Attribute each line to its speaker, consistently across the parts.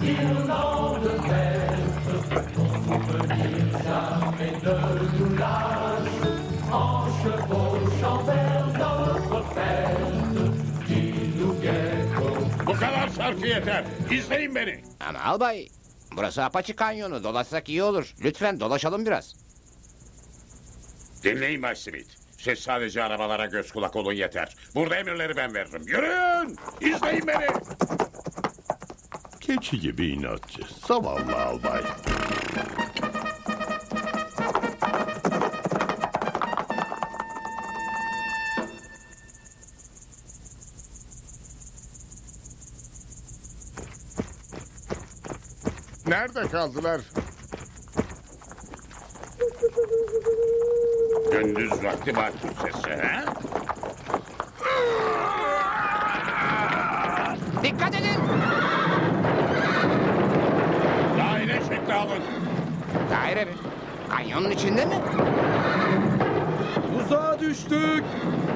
Speaker 1: Il n'en devait qu'on souvenir jamais ne nous lâche. En chevauchant vers notre fête, dis-nous Gecko.
Speaker 2: Bu kadar şarkı yeter. İzleyin beni.
Speaker 3: Ama albay, burası Apache Kanyonu. Dolaşsak iyi olur. Lütfen dolaşalım biraz.
Speaker 2: Dinleyin Bay Smith. Siz sadece arabalara göz kulak olun yeter. Burada emirleri ben veririm. Yürüyün! İzleyin beni!
Speaker 4: Keçi gibi inatçı. Zavallı albay. Nerede kaldılar?
Speaker 2: Gündüz vakti bakır sesi, ha?
Speaker 3: Dikkat edin!
Speaker 2: Daire şekli alın.
Speaker 3: Daire mi? Kanyonun içinde mi?
Speaker 5: Tuzağa düştük.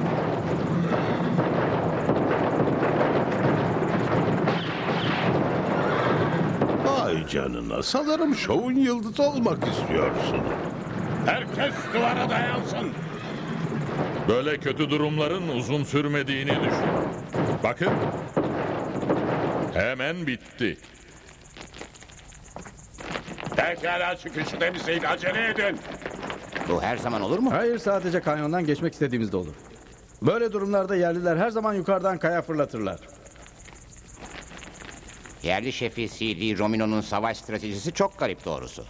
Speaker 4: Ay canına, sanırım şovun yıldızı olmak istiyorsun.
Speaker 2: Herkes duvara dayansın.
Speaker 6: Böyle kötü durumların uzun sürmediğini düşün. Bakın. Hemen bitti.
Speaker 2: Pekala çıkışı temizleyin. Acele edin.
Speaker 3: Bu her zaman olur mu?
Speaker 5: Hayır, sadece kanyondan geçmek istediğimizde olur. Böyle durumlarda yerliler her zaman yukarıdan kaya fırlatırlar.
Speaker 3: Yerli şefi C.D. Romino'nun savaş stratejisi çok garip doğrusu.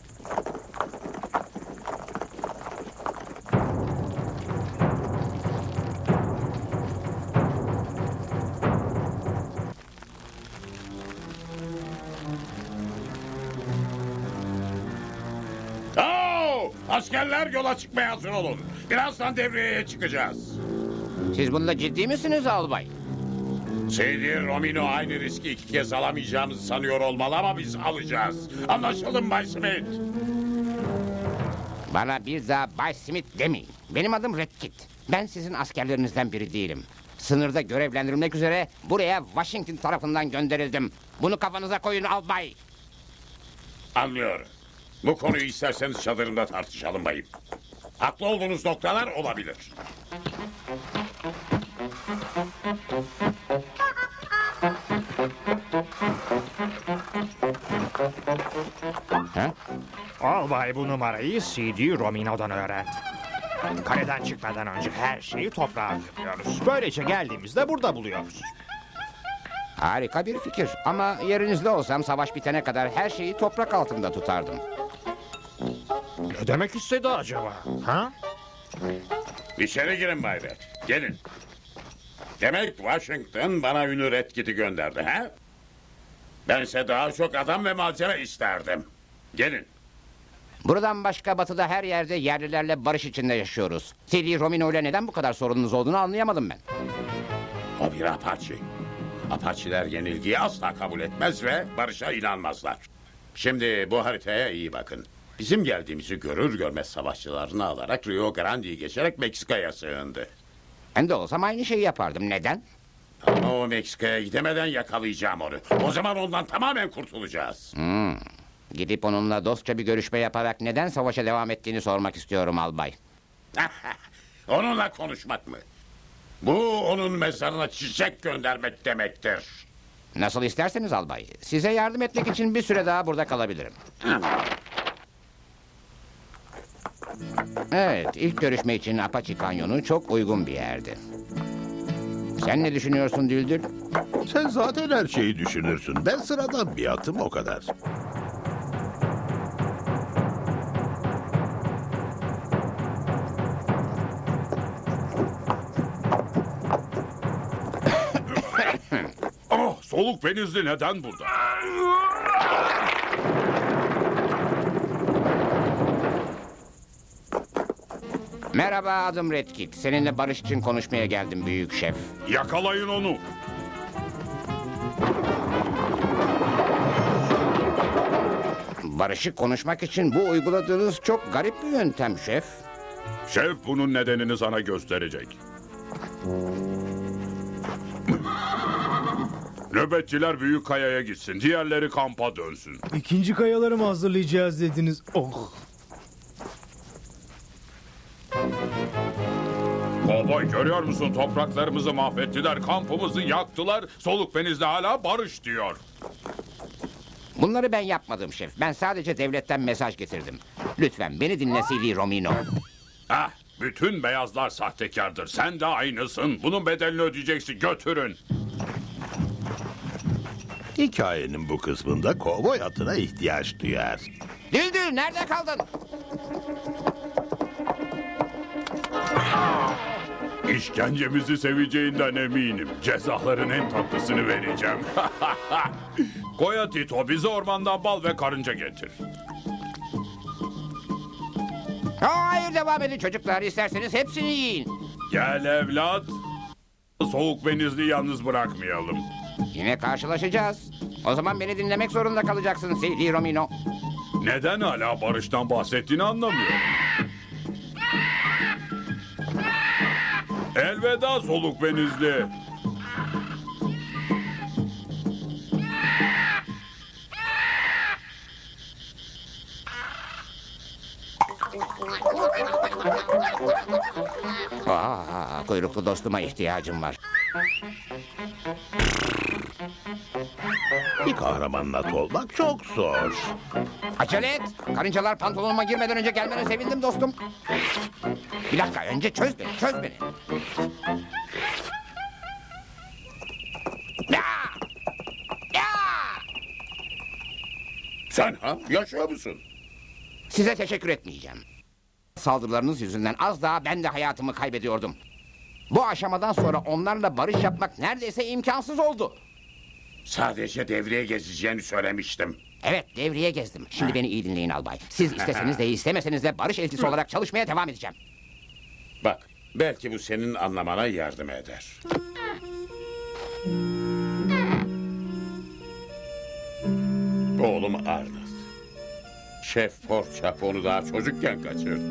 Speaker 2: Askerler yola çıkmaya hazır olun. Birazdan devreye çıkacağız.
Speaker 3: Siz bunda ciddi misiniz albay?
Speaker 2: C.D. Romino aynı riski iki kez alamayacağımızı sanıyor olmalı ama biz alacağız. Anlaşalım Bay Smith.
Speaker 3: Bana bir daha Bay Smith demeyin. Benim adım Redkit. Ben sizin askerlerinizden biri değilim. Sınırda görevlendirilmek üzere buraya Washington tarafından gönderildim. Bunu kafanıza koyun albay.
Speaker 2: Anlıyorum. Bu konuyu isterseniz çadırımda tartışalım bayım. Haklı olduğunuz noktalar olabilir.
Speaker 3: Ha?
Speaker 7: Albay bu numarayı C.D. Romino'dan öğrendi. Kaleden çıkmadan önce her şeyi toprağa gömüyoruz. Böylece geldiğimizde burada buluyoruz.
Speaker 3: Harika bir fikir ama yerinizde olsam savaş bitene kadar her şeyi toprak altında tutardım.
Speaker 7: Ne demek istedi acaba? Ha?
Speaker 2: İçeri girin Bay Red. Gelin. Demek Washington bana ünlü Redkit'i gönderdi ha? Bense daha çok adam ve malzeme isterdim. Gelin.
Speaker 3: Buradan başka batıda her yerde yerlilerle barış içinde yaşıyoruz. C.D. Romino ile neden bu kadar sorununuz olduğunu anlayamadım ben.
Speaker 2: O bir Apache. Apache'ler yenilgiyi asla kabul etmez ve barışa inanmazlar. Şimdi bu haritaya iyi bakın. Bizim geldiğimizi görür görmez savaşçılarını alarak Rio Grande'yi geçerek Meksika'ya sığındı.
Speaker 3: Ben de olsam aynı şeyi yapardım. Neden?
Speaker 2: Ama o Meksika'ya gidemeden yakalayacağım onu. O zaman ondan tamamen kurtulacağız.
Speaker 3: Gidip onunla dostça bir görüşme yaparak neden savaşa devam ettiğini sormak istiyorum albay.
Speaker 2: Onunla konuşmak mı? Bu onun mezarına çiçek göndermek demektir.
Speaker 3: Nasıl isterseniz albay. Size yardım etmek için bir süre daha burada kalabilirim. Evet, ilk görüşme için Apache Kanyonu çok uygun bir yerdi. Sen ne düşünüyorsun Düldül?
Speaker 4: Sen zaten her şeyi düşünürsün. Ben sıradan bir atım, o kadar.
Speaker 6: Oh, soluk benizli neden burada?
Speaker 3: Merhaba, adım Redkit. Seninle barış için konuşmaya geldim büyük şef.
Speaker 6: Yakalayın onu.
Speaker 3: Barışı konuşmak için bu uyguladığınız çok garip bir yöntem şef.
Speaker 6: Şef bunun nedenini sana gösterecek. Ne Nöbetçiler büyük kayaya gitsin. Diğerleri kampa dönsün.
Speaker 8: İkinci kayaları mı hazırlayacağız dediniz? Oh.
Speaker 6: Kovboy görüyor musun? Topraklarımızı mahvettiler. Kampımızı yaktılar. Soluk benizli hala barış diyor.
Speaker 3: Bunları ben yapmadım şef. Ben sadece devletten mesaj getirdim. Lütfen beni dinle CD Romino.
Speaker 6: Ah, bütün beyazlar sahtekardır. Sen de aynısın. Bunun bedelini ödeyeceksin. Götürün.
Speaker 4: Hikayenin bu kısmında kovboy atına ihtiyaç duyar.
Speaker 3: Düldül nerede kaldın?
Speaker 6: İşkencemizi seveceğinden eminim. Cezaların en tatlısını vereceğim. Koya Tito bize ormandan bal ve karınca getir.
Speaker 3: Hayır devam edin çocuklar. İsterseniz hepsini yiyin.
Speaker 6: Gel evlat. Soğuk benizli yalnız bırakmayalım.
Speaker 3: Yine karşılaşacağız. O zaman beni dinlemek zorunda kalacaksın CD Romino.
Speaker 6: Neden hala barıştan bahsettiğini anlamıyorum. Elveda soluk benizli.
Speaker 3: Kuyruklu dostuma ihtiyacım var.
Speaker 4: Bir kahramanın atı olmak çok zor.
Speaker 3: Acele et. Karıncalar pantolonuma girmeden önce gelmene sevindim dostum. Bir dakika önce çöz beni. Ya! Ya!
Speaker 2: Sen ha? Yaşıyor musun?
Speaker 3: Size teşekkür etmeyeceğim. Saldırılarınız yüzünden az daha ben de hayatımı kaybediyordum. Bu aşamadan sonra onlarla barış yapmak neredeyse imkansız oldu.
Speaker 2: Sadece devreye gezeceğini söylemiştim.
Speaker 3: Evet devriye gezdim. Şimdi beni iyi dinleyin albay. Siz isteseniz de istemeseniz de barış elçisi olarak çalışmaya devam edeceğim.
Speaker 2: Bak, belki bu senin anlamana yardım eder. Oğlum Arnold. Şef Porçap onu daha çocukken kaçırdı.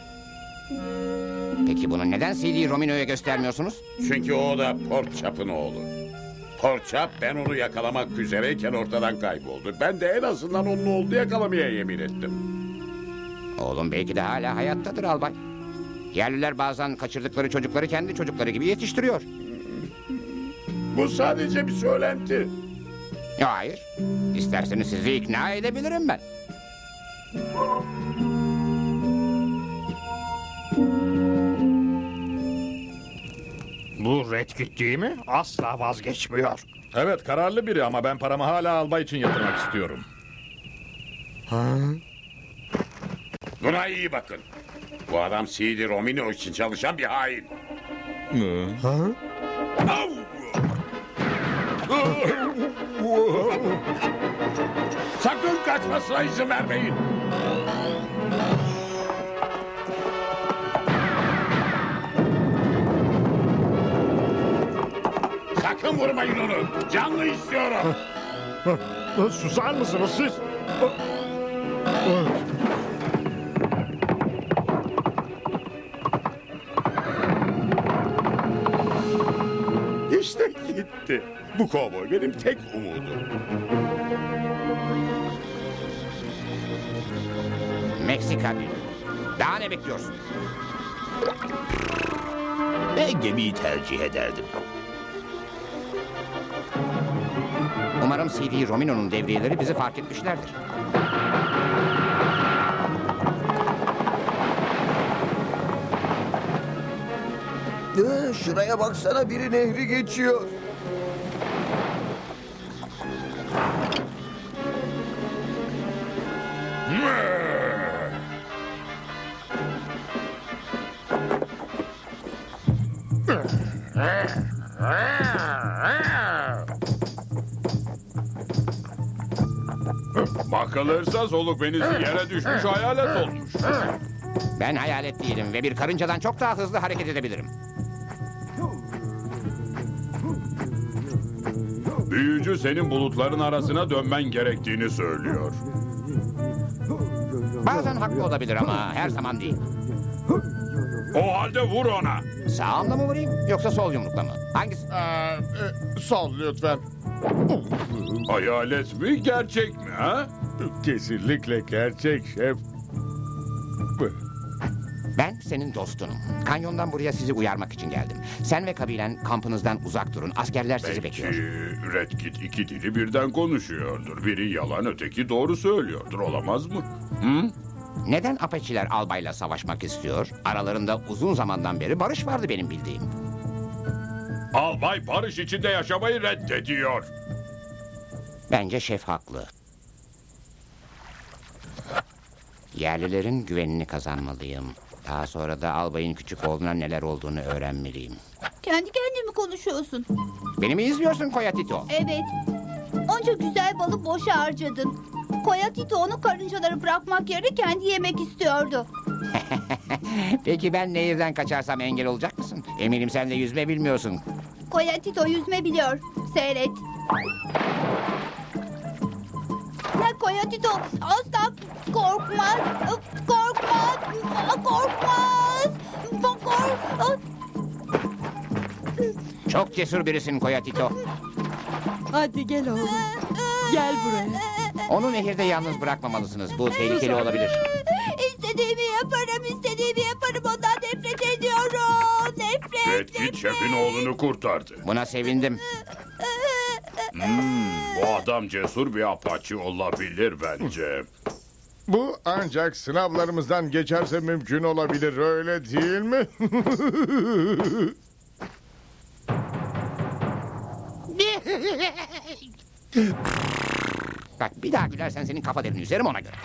Speaker 3: Peki bunu neden CD Romino'ya göstermiyorsunuz?
Speaker 2: Çünkü o da Porçap'ın oğlu. Porçap ben onu yakalamak üzereyken ortadan kayboldu. Ben de en azından onun oğlunu yakalamaya yemin ettim.
Speaker 3: Oğlum belki de hala hayattadır albay. Yerliler bazen kaçırdıkları çocukları kendi çocukları gibi yetiştiriyor.
Speaker 2: Bu sadece bir söylenti.
Speaker 3: Hayır. İsterseniz sizi ikna edebilirim ben.
Speaker 7: Bu Redkit değil mi? Asla vazgeçmiyor.
Speaker 9: Evet kararlı biri ama ben paramı hala albay için yatırmak istiyorum.
Speaker 2: Buna iyi bakın. Bu adam CD Romino için çalışan bir hain. Au! Sakın kaçmasına izin vermeyin. Sakın vurmayın onu. Canlı istiyorum.
Speaker 8: Susar mısınız siz?
Speaker 2: İşte gitti. Bu kovboy benim tek umudum.
Speaker 3: Meksika bir. Daha ne bekliyorsun?
Speaker 4: Ben gemiyi tercih ederdim.
Speaker 3: Umarım CD Romino'nun devriyeleri bizi fark etmişlerdir.
Speaker 10: Şuraya baksana biri nehri geçiyor.
Speaker 6: Bakılırsa soluk benizli yere düşmüş hayalet olmuş.
Speaker 3: Ben hayalet değilim ve bir karıncadan çok daha hızlı hareket edebilirim.
Speaker 6: Büyücü senin bulutların arasına dönmen gerektiğini söylüyor.
Speaker 3: Bazen haklı olabilir ama her zaman değil.
Speaker 6: O halde vur ona.
Speaker 3: Sağımla mı vurayım yoksa sol yumrukla mı? Hangisi?
Speaker 9: Sol lütfen.
Speaker 6: Hayalet mi, gerçek mi ha?
Speaker 9: Kesinlikle gerçek şef.
Speaker 3: Ben senin dostunum. Kanyondan buraya sizi uyarmak için geldim. Sen ve kabilen kampınızdan uzak durun. Askerler sizi
Speaker 6: Belki
Speaker 3: bekliyor.
Speaker 6: Red Kit iki dili birden konuşuyordur. Biri yalan, öteki doğru söylüyordur. Olamaz mı? Hı?
Speaker 3: Neden Apache'ler albayla savaşmak istiyor? Aralarında uzun zamandan beri barış vardı benim bildiğim.
Speaker 6: Albay barış içinde yaşamayı reddediyor.
Speaker 3: Bence şef haklı. Yerlilerin güvenini kazanmalıyım. Daha sonra da albayın küçük oğluna neler olduğunu öğrenmeliyim.
Speaker 11: Kendi kendine mi konuşuyorsun?
Speaker 3: Beni mi izliyorsun Koyatito?
Speaker 11: Evet. Onca güzel balı boşa harcadın. Koyatito onu karıncaları bırakmak yerine kendi yemek istiyordu.
Speaker 3: Peki ben nehirden kaçarsam engel olacak mısın? Eminim sen de yüzme bilmiyorsun.
Speaker 11: Koyatito yüzme biliyor. Seyret. Ne Koyatito asla korkmaz. Korkmaz. Korkmaz.
Speaker 3: Çok cesur birisin Koyatito.
Speaker 12: Hadi gel oğlum. Gel buraya.
Speaker 3: Onu nehirde yalnız bırakmamalısınız. Bu tehlikeli olabilir.
Speaker 11: İstediğimi yaparım, istediğimi yaparım. Ondan nefret ediyorum. Nefret.
Speaker 6: Red Kit şefin oğlunu kurtardı.
Speaker 3: Buna sevindim.
Speaker 6: Bu adam cesur bir Apache olabilir bence.
Speaker 9: Bu ancak sınavlarımızdan geçerse mümkün olabilir, öyle değil mi?
Speaker 3: Bak bir daha gülersen senin kafa derini üzerim ona göre.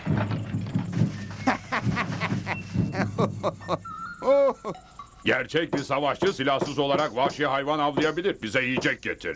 Speaker 6: Gerçek bir savaşçı silahsız olarak vahşi hayvan avlayabilir. Bize yiyecek getir.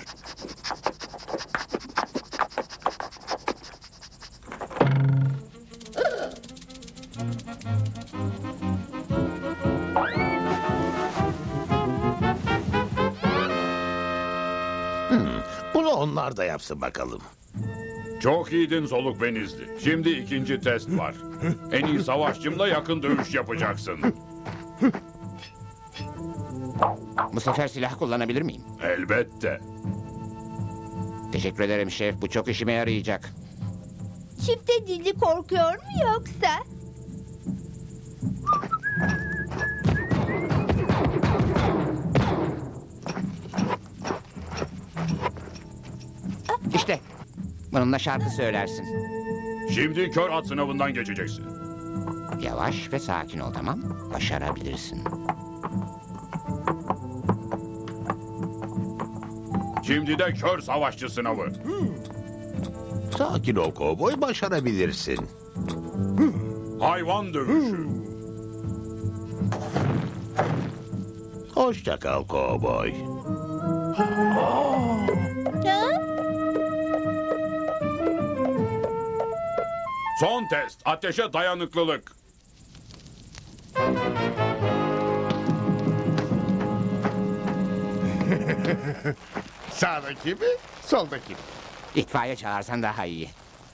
Speaker 4: Bunu onlar da yapsın bakalım.
Speaker 6: Çok iyiydin soluk benizli. Şimdi ikinci test var. En iyi savaşçımla yakın dövüş yapacaksın.
Speaker 3: Bu sefer silah kullanabilir miyim?
Speaker 6: Elbette.
Speaker 3: Teşekkür ederim şef. Bu çok işime yarayacak.
Speaker 11: Çifte dilli korkuyor mu yoksa?
Speaker 3: İşte bununla şarkı söylersin.
Speaker 6: Şimdi kör at sınavından geçeceksin.
Speaker 3: Yavaş ve sakin ol, tamam? Başarabilirsin.
Speaker 6: Şimdi de kör savaşçı sınavı.
Speaker 4: Sakin ol kovboy, başarabilirsin.
Speaker 6: Hayvan dövüşü.
Speaker 4: Hoşça kal kovboy.
Speaker 6: Son test. Ateşe dayanıklılık.
Speaker 9: Sağdaki mi, soldaki mi?
Speaker 3: İtfaiye çağırsan daha iyi.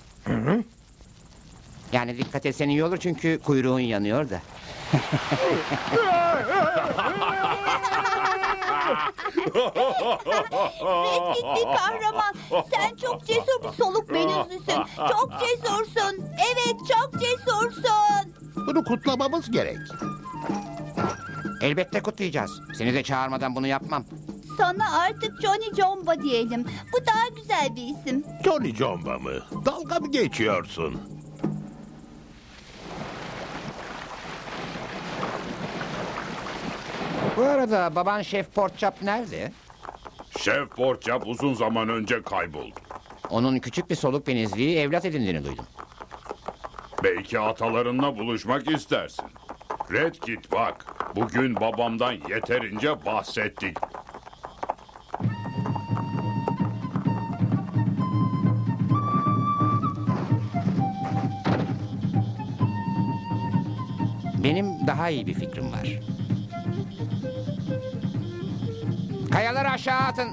Speaker 3: Yani dikkat etsen iyi olur çünkü kuyruğun yanıyor da.
Speaker 11: Red Kit bir kahraman. Sen çok cesur bir soluk benizlisin. Çok cesursun. Evet, çok cesursun.
Speaker 4: Bunu kutlamamız gerek.
Speaker 3: Elbette kutlayacağız. Seni de çağırmadan bunu yapmam.
Speaker 11: Sana artık Johnny Jomba diyelim. Bu daha güzel bir isim.
Speaker 4: Johnny Jomba mı? Dalga mı geçiyorsun?
Speaker 3: Bu arada baban Şef Porkchop nerede?
Speaker 6: Şef Porkchop uzun zaman önce kayboldu.
Speaker 3: Onun küçük bir soluk benizliği evlat edindiğini duydum.
Speaker 6: Belki atalarınla buluşmak istersin. Red Kit bak, bugün babamdan yeterince bahsettik.
Speaker 3: Benim daha iyi bir fikrim var. Kayaları aşağı atın.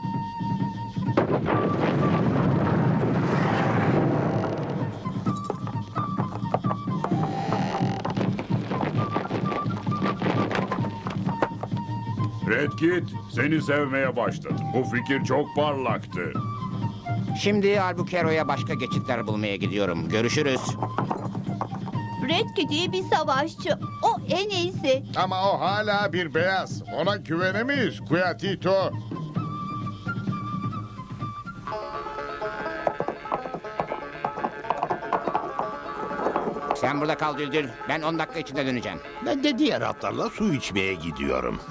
Speaker 6: Red Kit, seni sevmeye başladım. Bu fikir çok parlaktı.
Speaker 3: Şimdi Albuquerque'ye başka geçitler bulmaya gidiyorum. Görüşürüz.
Speaker 11: Red Kit iyi bir savaşçı. O en iyisi.
Speaker 9: Ama o hala bir beyaz. Ona güvenemeyiz Kuyatito.
Speaker 3: Sen burada kal Düldül. Ben 10 dakika içinde döneceğim.
Speaker 4: Ben de diğer atlarla su içmeye gidiyorum.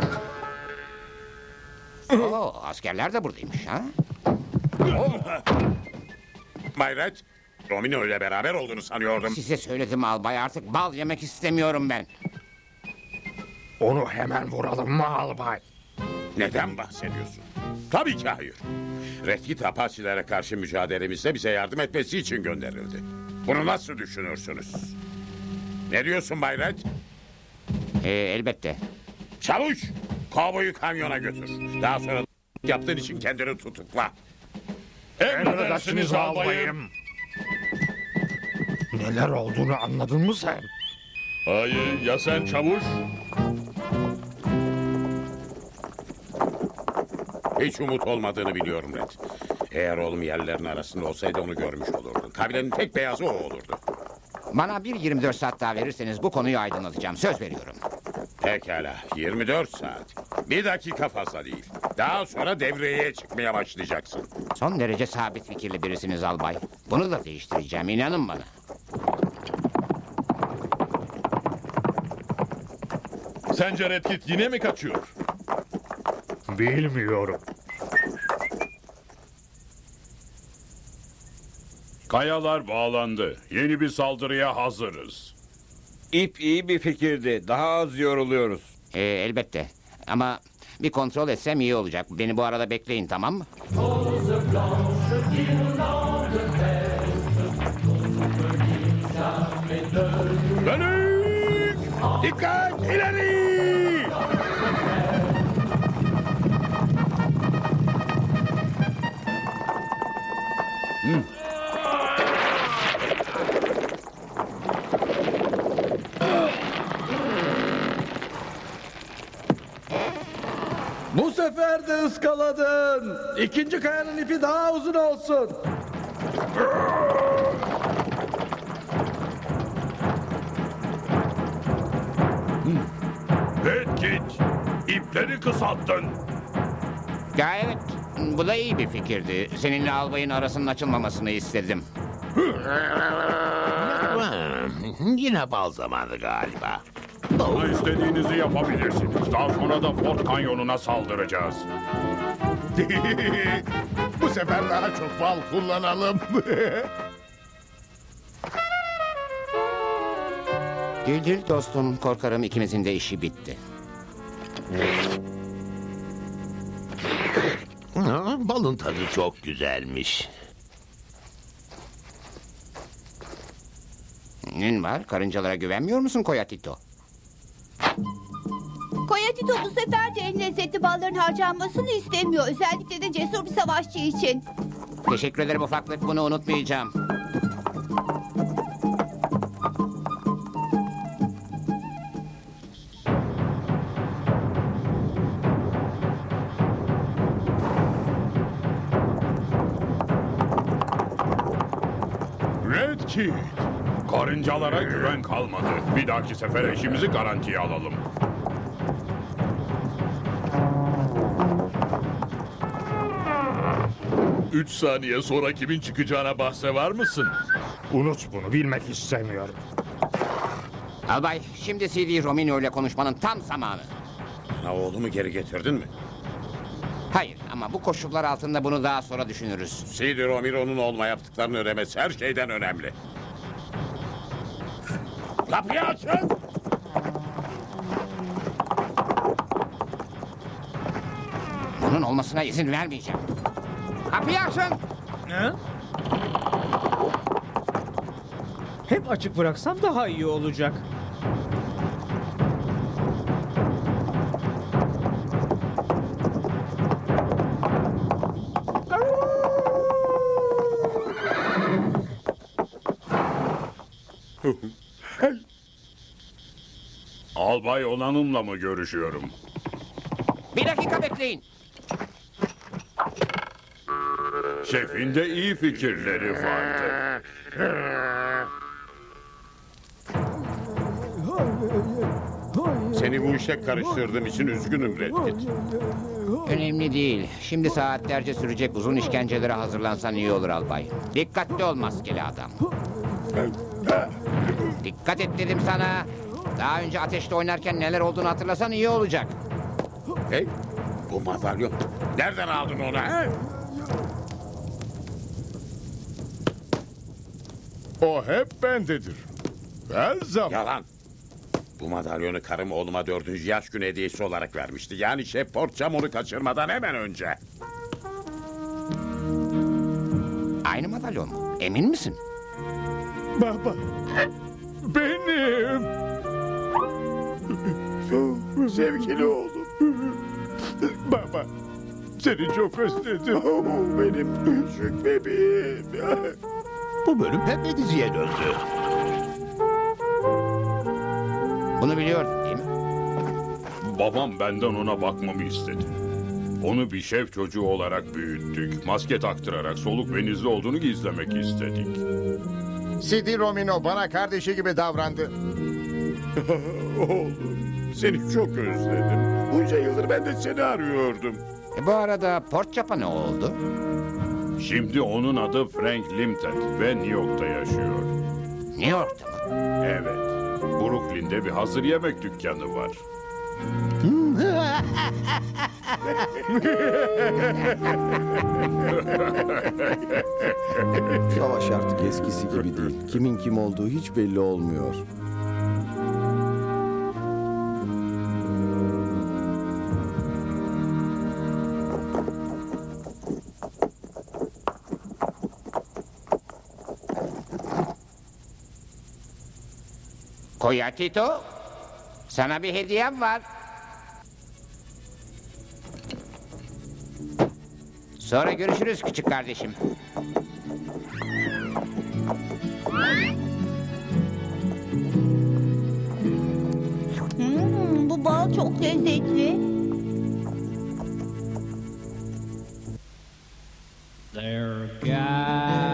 Speaker 3: Oo, askerler de buradaymış ha?
Speaker 2: Bay Red, Romino ile beraber olduğunu sanıyordum.
Speaker 3: Size söyledim albay, artık bal yemek istemiyorum ben.
Speaker 7: Onu hemen vuralım mı albay?
Speaker 2: Neden bahsediyorsun? Tabii ki hayır. Red Kit Apache'lere karşı mücadelemizde bize yardım etmesi için gönderildi. Bunu nasıl düşünürsünüz? Ne diyorsun Bay Red?
Speaker 3: Elbette.
Speaker 2: Çavuş, kovboyu kamyona götür. Daha sonra yaptığın için kendini tutukla.
Speaker 7: Emredersiniz albayım. Neler olduğunu anladın mı sen?
Speaker 6: Hayır, ya sen çavuş?
Speaker 2: Hiç umut olmadığını biliyorum Red. Eğer oğlum yerlerin arasında olsaydı onu görmüş olurdun. Kabilenin tek beyazı o olurdu.
Speaker 3: Bana bir 24 saat daha verirseniz bu konuyu aydınlatacağım. Söz veriyorum.
Speaker 2: Pekala, 24 saat. Bir dakika fazla değil. Daha sonra devreye çıkmaya başlayacaksın.
Speaker 3: Son derece sabit fikirli birisiniz albay. Bunu da değiştireceğim, inanın bana.
Speaker 6: Sence Red Kit yine mi kaçıyor?
Speaker 7: Bilmiyorum.
Speaker 6: Kayalar bağlandı. Yeni bir saldırıya hazırız.
Speaker 13: İp iyi bir fikirdi. Daha az yoruluyoruz.
Speaker 3: Elbette. Ama bir kontrol etsem iyi olacak. Beni bu arada bekleyin, tamam mı?
Speaker 2: Dönük! Dikkat! İleri!
Speaker 5: Bu sefer de ıskaladın. İkinci kayanın ipi daha uzun olsun.
Speaker 6: Red Kit, ipleri kısalttın.
Speaker 3: Ya evet, bu da iyi bir fikirdi. Seninle albayın arasının açılmamasını istedim.
Speaker 4: Yine bal zamanı galiba.
Speaker 6: Bana istediğinizi yapabilirsiniz. Daha sonra da Fort Kanyonuna saldıracağız.
Speaker 9: Bu sefer daha çok bal kullanalım.
Speaker 3: Düldül dostum, korkarım ikimizin de işi bitti.
Speaker 4: Balın tadı çok güzelmiş.
Speaker 3: Nin var? Karıncalara güvenmiyor musun Koyatito?
Speaker 11: Koyatito bu sefer de en lezzetli balların harcanmasını istemiyor. Özellikle de cesur bir savaşçı için.
Speaker 3: Teşekkür ederim ufaklık, bunu unutmayacağım.
Speaker 6: Red Kit, karıncalara güven kalmadı. Bir dahaki sefer eşimizi garantiye alalım. Üç saniye sonra kimin çıkacağına bahse var mısın?
Speaker 7: Unut bunu, bilmek istemiyorum.
Speaker 3: Albay, şimdi CD Romino ile konuşmanın tam zamanı.
Speaker 2: Ha, oğlumu geri getirdin mi?
Speaker 3: Hayır, ama bu koşullar altında bunu daha sonra düşünürüz.
Speaker 2: C.D. Romero'nun olma yaptıklarını ödemesi her şeyden önemli. Kapıyı açın!
Speaker 3: Bunun olmasına izin vermeyeceğim. Kapıyı açın!
Speaker 8: Ne? Hep açık bıraksam daha iyi olacak.
Speaker 6: Albay Onanım'la mı görüşüyorum?
Speaker 3: Bir dakika bekleyin.
Speaker 6: Şefin de iyi fikirleri vardı.
Speaker 2: Seni bu işe karıştırdığım için üzgünüm Redkit.
Speaker 3: Önemli değil. Şimdi saatlerce sürecek uzun işkencelere hazırlansan iyi olur albay. Dikkatli ol maskeli adam. Dikkat et dedim sana. Daha önce ateşte oynarken neler olduğunu hatırlasan iyi olacak.
Speaker 2: Hey, bu madalyon. Nereden aldın onu? He?
Speaker 9: O hep bendedir. Her zaman.
Speaker 2: Yalan. Bu madalyonu karım oğluma 4. yaş günü hediyesi olarak vermişti. Yani Şef Portçam onu kaçırmadan hemen önce.
Speaker 3: Aynı madalyon mu? Emin misin?
Speaker 9: Baba. Benim.
Speaker 2: Sevgili oğlum.
Speaker 9: Baba. Seni çok özledim.
Speaker 2: Benim küçük bebeğim.
Speaker 4: Bu bölüm pembe diziye döndü.
Speaker 3: Bunu biliyordun değil mi?
Speaker 6: Babam benden ona bakmamı istedi. Onu bir şef çocuğu olarak büyüttük. Maske taktırarak soluk benizli olduğunu gizlemek istedik.
Speaker 9: Sidi Romino bana kardeşi gibi davrandı.
Speaker 2: Oğlum, seni çok özledim. Bunca yıldır ben de seni arıyordum.
Speaker 3: Bu arada Portçap'a ne oldu?
Speaker 6: Şimdi onun adı Frank Limtet ve New York'ta yaşıyor.
Speaker 3: New York'ta mı?
Speaker 6: Evet. Brooklyn'de bir hazır yemek dükkanı var.
Speaker 10: Savaş artık eskisi gibi değil. Kimin kim olduğu hiç belli olmuyor.
Speaker 3: Koyatito, sana bir hediyem var. Sonra görüşürüz küçük kardeşim.
Speaker 11: Bu bal çok lezzetli.
Speaker 8: There, guys.